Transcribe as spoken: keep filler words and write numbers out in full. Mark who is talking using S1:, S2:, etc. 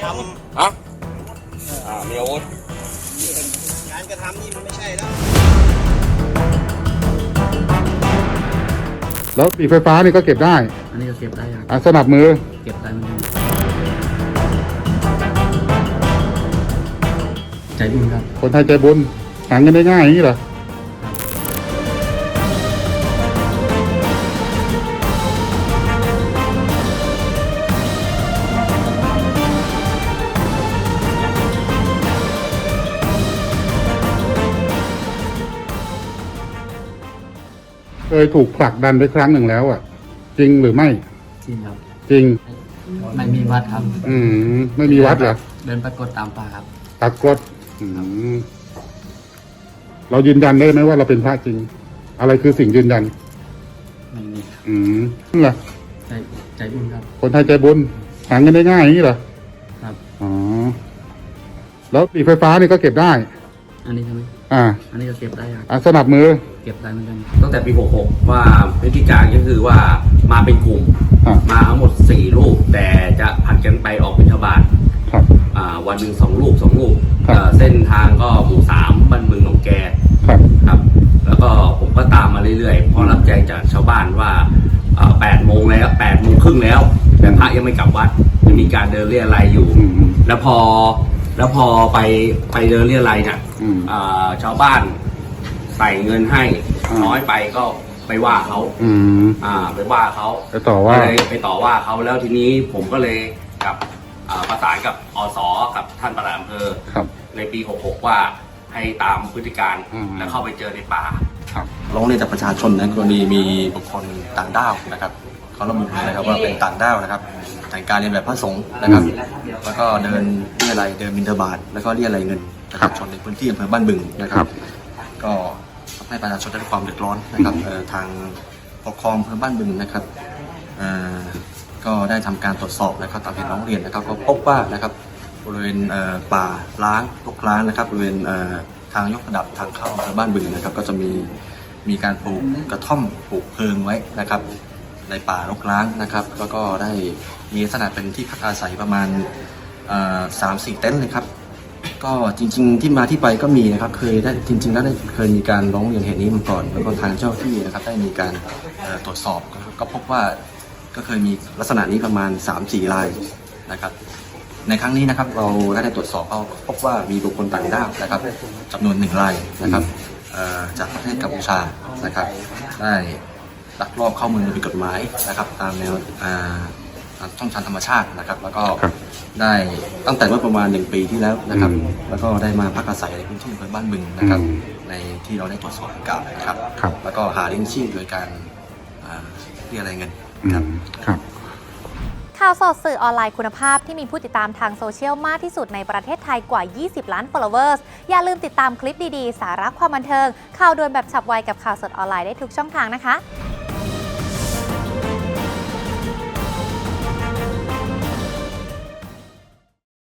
S1: ฮะอ่ามีอาวุธ
S2: งานกระทำนี่มันไม่ใช่แล้ว
S3: แล้วปีกไฟฟ้านี่ก็เก็บได้
S4: อันนี้ก็เก็บได้ครับ
S3: อ่ะสนับมือ
S4: เก็บได้เหมือนกันใจบุญครับ
S3: คนไทยใจบุญหาเงินได้ง่ายอย่างนี้เหรอเคยถูกผลักดันไปครั้งหนึ่งแล้วอ่ะจริงหรือไม่
S4: จริงครับ
S3: จริง
S4: ไม่มีวัดครับ
S3: อืมไม่มีวัดเหรอ
S4: เดินปรากฏตามป่าครับ
S3: ปรากฏอืมเรายืนยันได้ไหมว่าเราเป็นพระจริงอะไรคือสิ่งยืนยัน
S4: ไม่มี
S3: อืมนั่นแหละ
S4: ใจใจบุญครับ
S3: คนไทยใจบุญหาเงินได้ง่ายอย่างนี้เหรอ
S4: ครับ
S3: อ๋อแล้วปีกไฟฟ้านี่ก็เก็บได้
S4: อันนี้ใช่ไหม
S3: อ่า
S4: อันนี้ก็เก็บได้ครับ
S3: อ่ะสนับมือ
S4: เก็บได้เหมือนกัน
S1: ตั้งแต่ปีหกหกว่าพฤติการก็คือว่ามาเป็นกลุ่มมาทั้งหมดสี่ลูกแต่จะผัดกันไปออกบิณฑบาต
S3: ครับ
S1: อ่าวันหนึ่งสองลูกสองลูก
S3: ครับ
S1: เส้นทางก็หมู่สามบ้านเมืองหนองแก
S3: ครับ
S1: ครับแล้วก็ผมก็ตามมาเรื่อยๆพอรับแจ้งจากชาวบ้านว่าแปดโมงแล้วแปดโมงครึ่งแล้วแต่พระยังไม่กลับวัดยังมีการเดินเรี่ยไรอยู่แล้วพอแล้วพอไปไปเดินเรี่ยไรเนี่ยชาวบ้านใส่เงินให้น้อยไปก็ไปว่าเขาอ่าไปว่าเขา
S3: ไปต่อว่า
S1: ไปต่อว่าเขาแล้วทีนี้ผมก็เลยกับประสานกับอสกับท่านปลัดอำเภอในปีหกหกว่าให้ตามพฤติการแล้วเข้าไปเจอในป่า
S2: ร้องเรียนจากประชาชนนะกรณีมีบุคคลต่างด้าวนะครับเขาระบุนะครับว่าเป็นต่างด้าวนะครับแต่งการเรียนแบบพระสงฆ์นะครับแล้วก็เดินเรียอะไรเดินบิณฑบาตแล้วก็เรียอะไรเงินประชาชนในพื้นที่อำเภอบ้านบึงนะครับก็ทำให้ประชาชนได้รับความเดือดร้อนนะครับทางปกครองอำเภอบ้านบึงนะครับก็ได้ทำการตรวจสอบนะครับตามเหตุร้องเรียนนะครับก็พบว่านะครับบริเวณป่าล้างรกร้างนะครับบริเวณทางยกระดับทางเข้าอำเภอบ้านบึงนะครับก็จะมีมีการปลูกกระท่อมปลูกเพลิงไว้นะครับในป่ารกร้างนะครับแล้วก็ได้มีลักษณะเป็นที่พักอาศัยประมาณสามสี่เต็นท์เลยครับก็จริงๆที่มาที่ไปก็มีนะครับเคยได้จริงๆแล้วได้เคยมีการร้องเรียนเหตุนี้มาก่อนแล้วก็ทางเจ้าที่นะครับได้มีการตรวจสอบก็พบว่าก็เคยมีลักษณะนี้ประมาณ สามสี่ รายนะครับในครั้งนี้นะครับเราได้ตรวจสอบก็พบว่ามีบุคคลต่างด้าวนะครับจำนวนหนึ่งรายนะครับจากประเทศกัมพูชานะครับได้ลักลอบเข้าเมืองโดยผิดกฎหมายนะครับตามแนวช่องทางธรรมชาตินะครับแล้วก็ได้ตั้งแต่เมื่อประมาณหนึ่งปีที่แล้วนะครับแล้วก็ได้มาพักอาศัยในพื้นที่อำเภอบ้านบึงนะครับในที่เราได้ตรวจสอบดังกล่าวนะครับแล้วก็หาเลี้ยงชีพโดยการเรียกรายเงินครับ
S5: ข่าวสดสื่อออนไลน์คุณภาพที่มีผู้ติดตามทางโซเชียลมากที่สุดในประเทศไทยกว่ายี่สิบล้าน followers อย่าลืมติดตามคลิปดีๆสาระความบันเทิงข่าวด่วนแบบฉับไวกับข่าวสดออนไลน์ได้ทุกช่องทางนะคะ